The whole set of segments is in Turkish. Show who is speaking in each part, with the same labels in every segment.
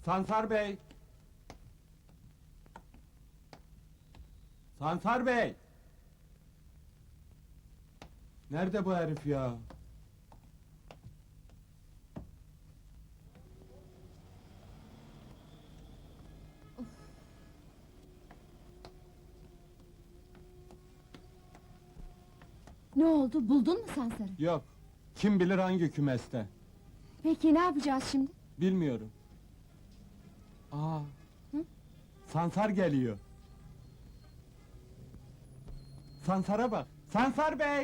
Speaker 1: Sansar Bey! Sansar Bey! Nerede bu herif ya?
Speaker 2: Ne oldu, buldun mu Sansar'ı?
Speaker 1: Yok. Kim bilir hangi kümeste?
Speaker 2: Peki ne yapacağız şimdi?
Speaker 1: Bilmiyorum. Aa!
Speaker 2: Hı?
Speaker 1: Sansar geliyor. Sansar'a bak! Sansar Bey!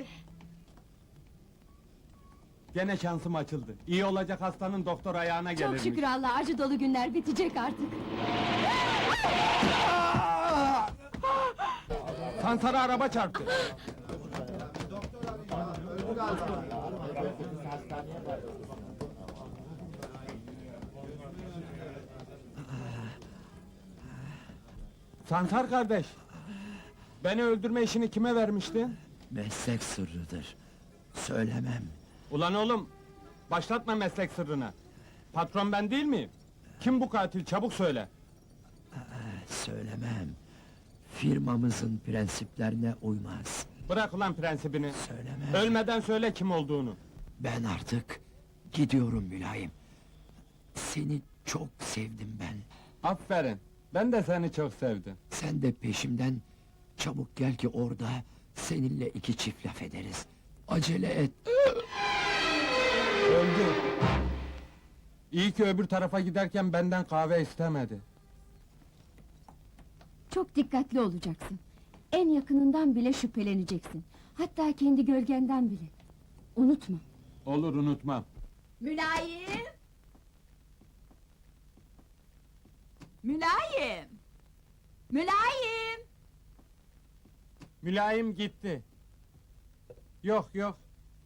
Speaker 1: Gene şansım açıldı. İyi olacak hastanın doktor ayağına gelirmiş.
Speaker 2: Çok şükür Allah, acı dolu günler bitecek artık.
Speaker 1: Sansar'a araba çarptı. Sansar kardeş! Beni öldürme işini kime vermiştin?
Speaker 3: Meslek sırrıdır. Söylemem.
Speaker 1: Ulan oğlum! Başlatma meslek sırrına! Patron ben değil miyim? Kim bu katil, çabuk söyle!
Speaker 3: Söylemem. Firmamızın prensiplerine uymaz.
Speaker 1: Bırak ulan prensibini!
Speaker 3: Söylemem.
Speaker 1: Ölmeden söyle kim olduğunu!
Speaker 3: Ben artık gidiyorum mülayim. Seni çok sevdim ben.
Speaker 1: Aferin! Ben de seni çok sevdim.
Speaker 3: Sen de peşimden çabuk gel ki orada seninle iki çift laf ederiz. Acele et.
Speaker 1: Öldü! İyi ki öbür tarafa giderken benden kahve istemedi.
Speaker 2: Çok dikkatli olacaksın. En yakınından bile şüpheleneceksin. Hatta kendi gölgenden bile. Unutma.
Speaker 1: Olur, unutmam.
Speaker 4: Mülayim! Mülayim! Mülayim!
Speaker 1: Mülayim gitti. Yok yok.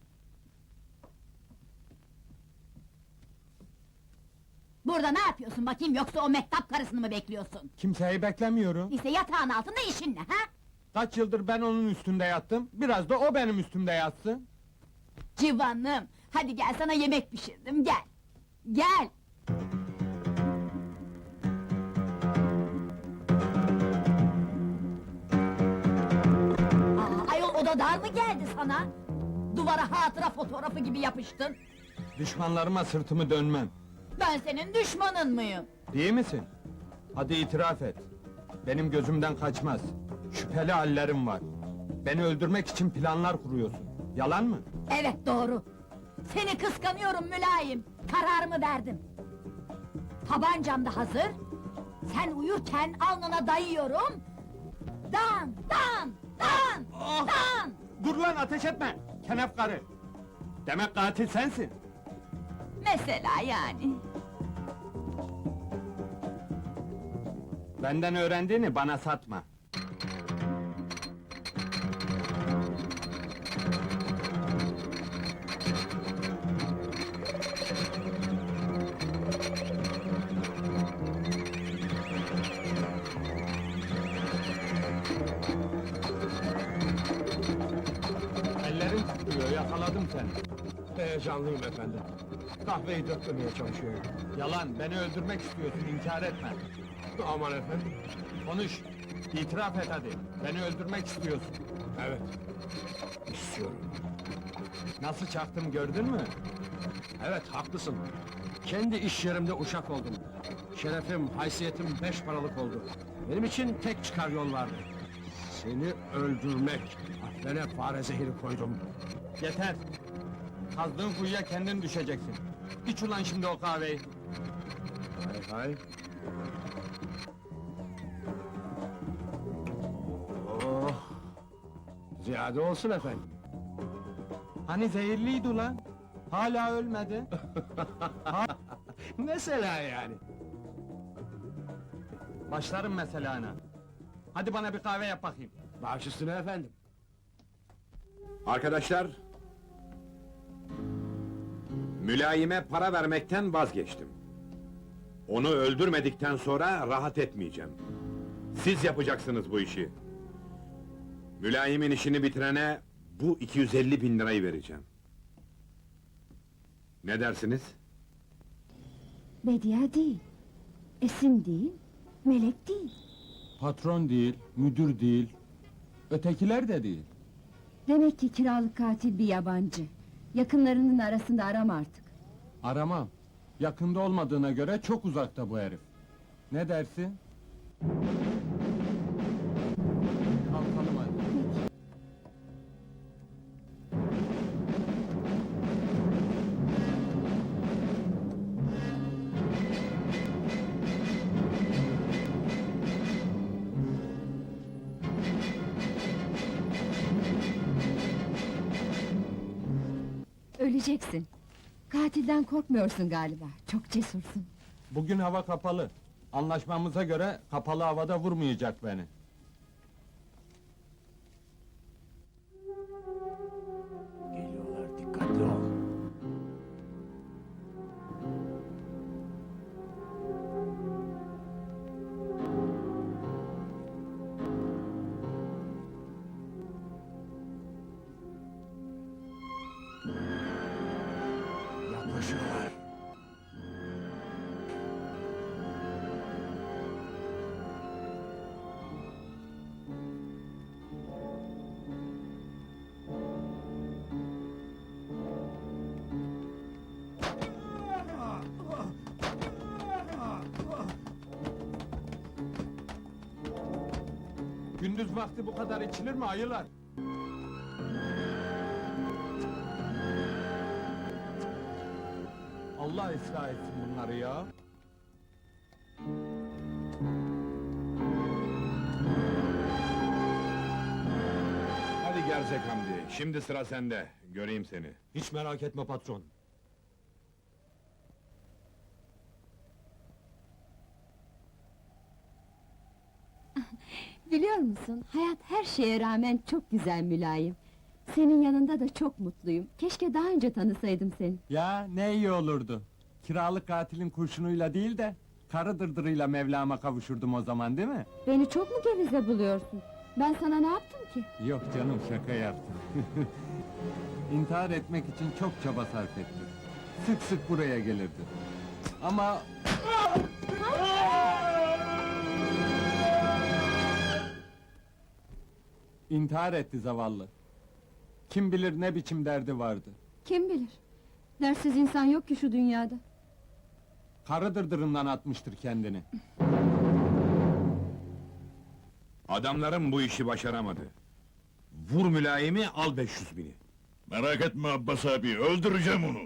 Speaker 4: Burada ne yapıyorsun bakayım, yoksa o mehtap karısını mı bekliyorsun?
Speaker 1: Kimseyi beklemiyorum.
Speaker 4: İşte yatağın altında işin ne ha?
Speaker 1: Kaç yıldır ben onun üstünde yattım, biraz da o benim üstümde yatsın.
Speaker 4: Civanım, hadi gel sana yemek pişirdim, gel! Gel! Ayol, oda dar mı geldi sana? Duvara hatıra fotoğrafı gibi yapıştın.
Speaker 1: Düşmanlarıma sırtımı dönmem.
Speaker 4: Ben senin düşmanın mıyım?
Speaker 1: Değil misin? Hadi itiraf et. Benim gözümden kaçmaz. Şüpheli hallerim var. Beni öldürmek için planlar kuruyorsun. Yalan mı?
Speaker 4: Evet, doğru! Seni kıskanıyorum mülayim! Kararımı verdim! Tabancam da hazır! Sen uyurken alnına dayıyorum! Dan! Dan! Dan!
Speaker 1: Ah!
Speaker 4: Dan!
Speaker 1: Dur lan, ateş etme! Kenef karı! Demek katil sensin!
Speaker 4: Mesela yani!
Speaker 1: Benden öğrendiğini bana satma. Ellerin titriyor, yakaladım seni.
Speaker 5: Heyecanlıyım efendim. Kahveyi döktürmeye çalışıyorum.
Speaker 1: Yalan, beni öldürmek istiyorsun, inkar etme.
Speaker 5: Aman efendim.
Speaker 1: Konuş, itiraf et hadi. Beni öldürmek istiyorsun.
Speaker 5: Evet. İstiyorum.
Speaker 1: Nasıl çaktım gördün mü?
Speaker 5: Evet, haklısın. Kendi iş yerimde uşak oldum. Şerefim, haysiyetim 5 paralık oldu. Benim için tek çıkar yol vardı. Seni öldürmek. Aklına fare zehri koydum.
Speaker 1: Yeter! Kazdığın kuyuya kendin düşeceksin. İç ulan şimdi o kahveyi.
Speaker 5: Hay hay. Oh! Ziyade olsun efendim.
Speaker 1: Hani zehirliydi ulan? Hala ölmedi.
Speaker 5: Mesela yani.
Speaker 1: Başlarım mesela ana. Hadi bana bir kahve yap bakayım.
Speaker 5: Baş üstüne efendim.
Speaker 6: Arkadaşlar... Mülayime para vermekten vazgeçtim. Onu öldürmedikten sonra rahat etmeyeceğim. Siz yapacaksınız bu işi. Mülayimin işini bitirene bu 250.000 lirayı vereceğim. Ne dersiniz?
Speaker 2: Bediye değil. Esin değil, Melek değil.
Speaker 1: Patron değil, müdür değil. Ötekiler de değil.
Speaker 2: Demek ki kiralık katil bir yabancı. Yakınlarının arasında arama artık.
Speaker 1: Aramam. Yakında olmadığına göre çok uzakta bu herif. Ne dersin? Kalkalım hadi.
Speaker 2: Öleceksin. Katilden korkmuyorsun galiba. Çok cesursun.
Speaker 1: Bugün hava kapalı. Anlaşmamıza göre kapalı havada vurmayacak beni.
Speaker 3: Geliyorlar, dikkatli ol. Yaklaşıyorlar.
Speaker 1: Gündüz vakti bu kadar içilir mi ayılar? Allah ıslah etsin bunları ya.
Speaker 6: Hadi Gerzek Hamdi, şimdi sıra sende. Göreyim seni.
Speaker 5: Hiç merak etme patron.
Speaker 2: Biliyor musun, hayat her şeye rağmen çok güzel Mülayim. Senin yanında da çok mutluyum. Keşke daha önce tanısaydım seni.
Speaker 1: Ya ne iyi olurdu. Kiralık katilin kurşunuyla değil de karı dırdırıyla Mevlam'a kavuşurdum o zaman, değil mi?
Speaker 2: Beni çok mu gevize buluyorsun? Ben sana ne yaptım ki?
Speaker 1: Yok canım, şaka yaptım. İntihar etmek için çok çaba sarf ettim. Sık sık buraya gelirdi. Ama... İntihar etti zavallı. Kim bilir ne biçim derdi vardı.
Speaker 2: Kim bilir? Dersiz insan yok ki şu dünyada.
Speaker 1: Karı dırdırından atmıştır kendini.
Speaker 6: Adamlarım bu işi başaramadı. Vur mülayimi, al 500 bini.
Speaker 7: Merak etme Abbas abi, öldüreceğim onu.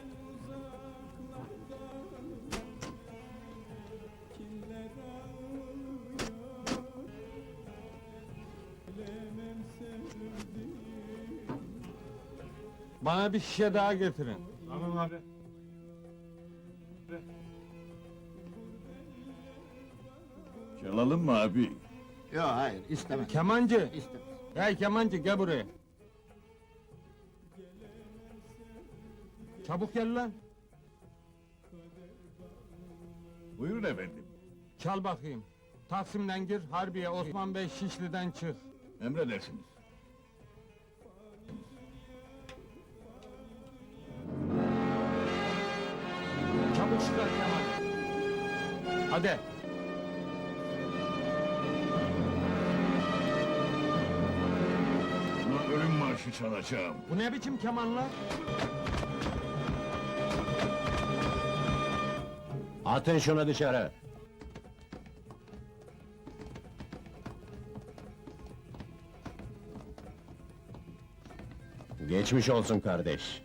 Speaker 1: Bana bir şişe daha getirin.
Speaker 5: Tamam abi.
Speaker 7: Çalalım mı abi?
Speaker 3: Yok hayır, istemem.
Speaker 1: Kemancı!
Speaker 3: İstemem.
Speaker 1: Hey kemancı, gel buraya! Çabuk gel lan!
Speaker 7: Buyurun efendim.
Speaker 1: Çal bakayım. Taksim'den gir, Harbiye, Osman Bey, Şişli'den çık.
Speaker 7: Emredersiniz.
Speaker 1: Çabuk çıkar Kemal! Hadi!
Speaker 7: Buna ölüm marşı çalacağım.
Speaker 1: Bu ne biçim kemanlar?
Speaker 5: Atın şunu dışarı. Geçmiş olsun kardeş.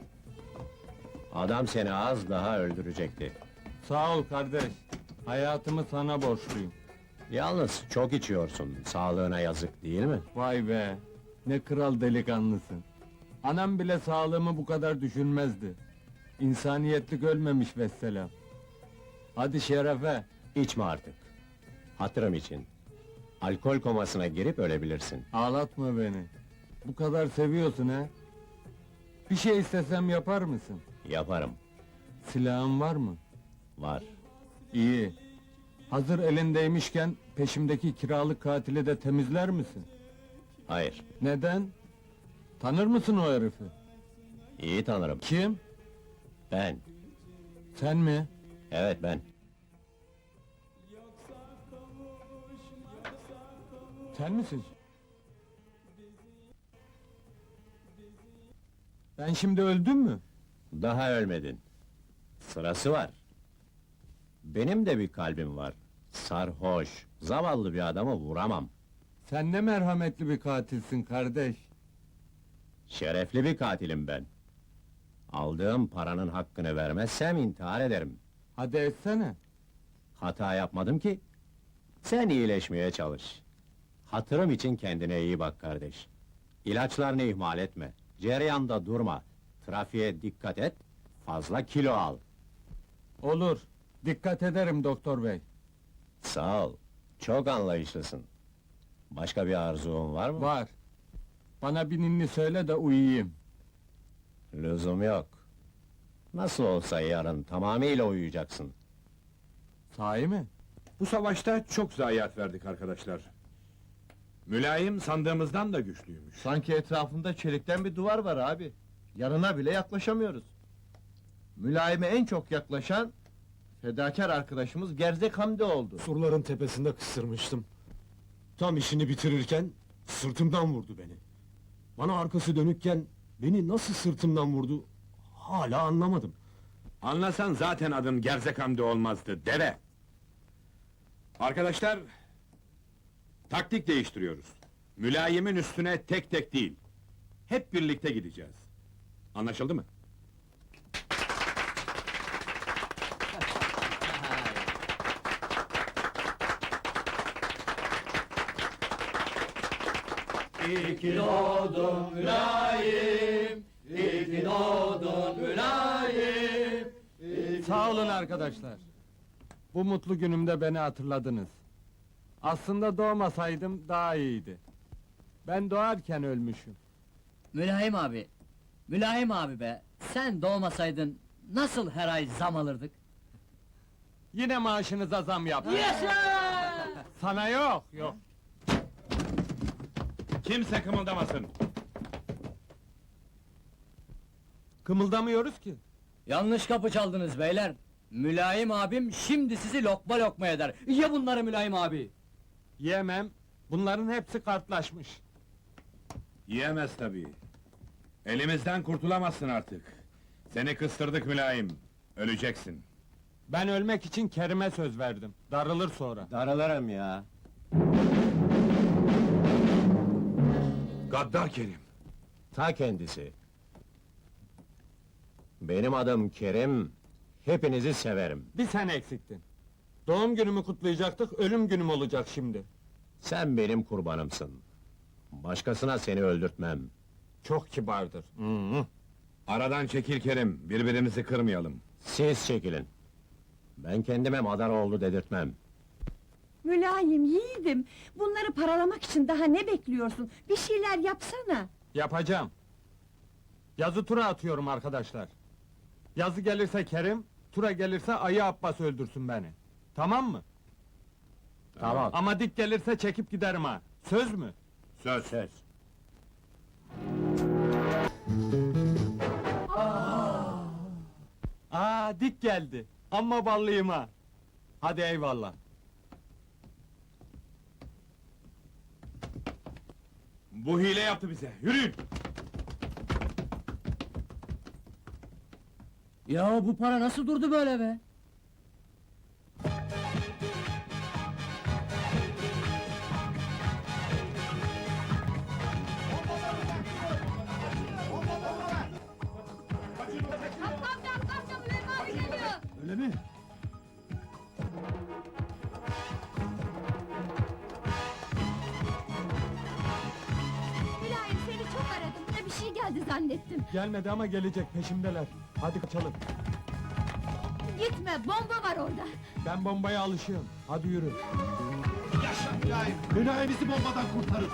Speaker 5: Adam seni az daha öldürecekti.
Speaker 1: Sağ ol kardeş. Hayatımı sana borçluyum.
Speaker 5: Yalnız çok içiyorsun, sağlığına yazık değil mi?
Speaker 1: Vay be! Ne kral delikanlısın. Anam bile sağlığımı bu kadar düşünmezdi. İnsaniyetlik ölmemiş vesselam. Hadi şerefe!
Speaker 5: İçme artık. Hatırım için. Alkol komasına girip ölebilirsin.
Speaker 1: Ağlatma beni. Bu kadar seviyorsun ha? Bir şey istesem yapar mısın?
Speaker 5: Yaparım.
Speaker 1: Silahın var mı?
Speaker 5: Var.
Speaker 1: İyi. Hazır elindeymişken peşimdeki kiralık katili de temizler misin?
Speaker 5: Hayır.
Speaker 1: Neden? Tanır mısın o herifi?
Speaker 5: İyi tanırım.
Speaker 1: Kim?
Speaker 5: Ben.
Speaker 1: Sen mi?
Speaker 5: Evet ben.
Speaker 1: Sen misin? Ben şimdi öldüm mü?
Speaker 8: Daha ölmedin. Sırası var. Benim de bir kalbim var. Sarhoş, zavallı bir adamı vuramam.
Speaker 1: Sen ne merhametli bir katilsin kardeş.
Speaker 8: Şerefli bir katilim ben. Aldığım paranın hakkını vermezsem intihar ederim.
Speaker 1: Hadi etsene.
Speaker 8: Hata yapmadım ki. Sen iyileşmeye çalış. Hatırım için kendine iyi bak kardeş. İlaçlarını ihmal etme. Cereyanda durma. Trafiğe dikkat et. Fazla kilo al.
Speaker 1: Olur. Dikkat ederim doktor bey.
Speaker 8: Sağ ol. Çok anlayışlısın. Başka bir arzun var mı?
Speaker 1: Var. Bana bir ninni söyle de uyuyayım.
Speaker 8: Lüzum yok. Nasıl olsa yarın tamamıyla uyuyacaksın.
Speaker 1: Sahi mi?
Speaker 6: Bu savaşta çok zayiat verdik arkadaşlar. Mülayim sandığımızdan da güçlüymüş.
Speaker 9: Sanki etrafında çelikten bir duvar var abi. Yanına bile yaklaşamıyoruz. Mülayime en çok yaklaşan fedakar arkadaşımız Gerzek Hamdi oldu.
Speaker 5: Surların tepesinde kısırmıştım. Tam işini bitirirken sırtımdan vurdu beni. Bana arkası dönükken beni nasıl sırtımdan vurdu hala anlamadım.
Speaker 6: Anlasan zaten adın Gerzek Hamdi olmazdı, deve! Arkadaşlar, taktik değiştiriyoruz. Mülayimin üstüne tek tek değil, hep birlikte gideceğiz. Anlaşıldı mı?
Speaker 1: Sağ olun arkadaşlar. Bu mutlu günümde beni hatırladınız. Aslında doğmasaydım daha iyiydi. Ben doğarken ölmüşüm.
Speaker 10: Mülayim abi, Mülayim abi be! Sen doğmasaydın nasıl her ay zam alırdık?
Speaker 1: Yine maaşınıza zam yaptım. Sana yok, yok.
Speaker 6: Kimse kımıldamasın!
Speaker 1: Kımıldamıyoruz ki.
Speaker 10: Yanlış kapı çaldınız beyler! Mülayim abim şimdi sizi lokma lokma eder! Ye bunları Mülayim abi!
Speaker 1: Yemem. Bunların hepsi kartlaşmış.
Speaker 6: Yiyemez tabii. Elimizden kurtulamazsın artık. Seni kıstırdık mülayim, öleceksin.
Speaker 1: Ben ölmek için Kerim'e söz verdim. Darılır sonra.
Speaker 8: Darılırım ya.
Speaker 6: Gaddar Kerim!
Speaker 8: Ta kendisi. Benim adım Kerim, hepinizi severim.
Speaker 1: Bir sen eksiktin. Doğum günümü kutlayacaktık, ölüm günüm olacak şimdi.
Speaker 8: Sen benim kurbanımsın. Başkasına seni öldürtmem.
Speaker 1: Çok kibardır.
Speaker 6: Aradan çekil Kerim, birbirimizi kırmayalım.
Speaker 8: Siz çekilin. Ben kendime madar oldu dedirtmem.
Speaker 2: Mülayim, yiğidim! Bunları paralamak için daha ne bekliyorsun? Bir şeyler yapsana!
Speaker 1: Yapacağım. Yazı tura atıyorum arkadaşlar. Yazı gelirse Kerim, tura gelirse Ayı Abbas öldürsün beni. Tamam mı?
Speaker 8: Tamam.
Speaker 1: Ama dik gelirse çekip giderim ha. Söz mü?
Speaker 6: Söz!
Speaker 8: Söz.
Speaker 1: Aa, dik geldi. Amma ballıyım ha. Hadi eyvallah.
Speaker 6: Bu hile yaptı bize, yürüyün!
Speaker 10: Ya bu para nasıl durdu böyle be?
Speaker 5: Öyle mi?
Speaker 2: Mülayim, seni çok aradım. Buna bir şey geldi zannettim.
Speaker 1: Gelmedi ama gelecek, peşimdeler. Hadi kaçalım.
Speaker 2: Gitme, bomba var orada!
Speaker 1: Ben bombaya alışığım. Hadi yürü.
Speaker 9: Mülayim bizi bombadan kurtarın!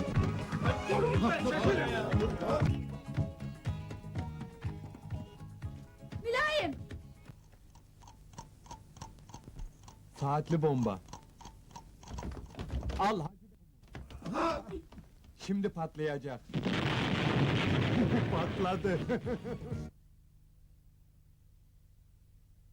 Speaker 2: Mülayim!
Speaker 1: Saatli bomba. Al hadi. Şimdi patlayacak. Patladı.